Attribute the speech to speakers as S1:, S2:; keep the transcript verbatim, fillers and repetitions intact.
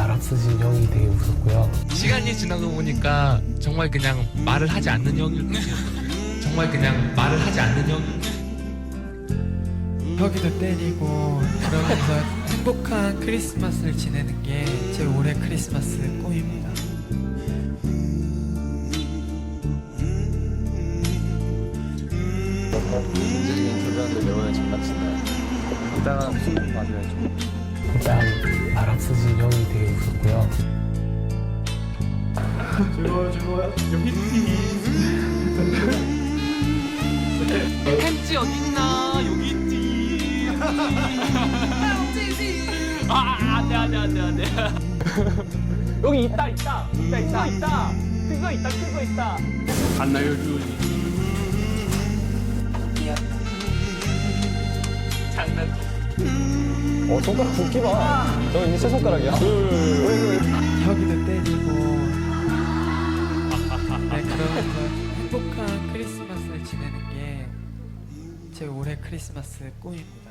S1: 바람쓰신 형이 되게 웃었고요.
S2: 시간이 지나고 보니까 정말 그냥 말을 하지 않는 형일 뿐이었어요. 정말 그냥 말을 하지 않는 형.
S3: 혁이도 때리고 그러면서 행복한 크리스마스를 지내는 게 제 올해 크리스마스 꿈입니다.
S4: 인질적인 교류하는데 매번에 장난친다. 이따가 무슨 복 맞아야죠.
S1: 일단 바람쓰신 형이 되게 웃었고요.
S2: 햄찌 어딨나? 여기 있지. 아, 안돼 안돼 안돼 안돼. 여기 있다 있다 있다 있다 있다. 그거 있다 그거 있다.
S5: 안나요 주지.
S2: 장난.
S4: 어, 손가락 붓기 봐. 저 이제 새 손가락이야.
S3: 혁이도 때리고 네, 그러면서 행복한 크리스마스를 지내는 게 제 올해 크리스마스 꿈입니다.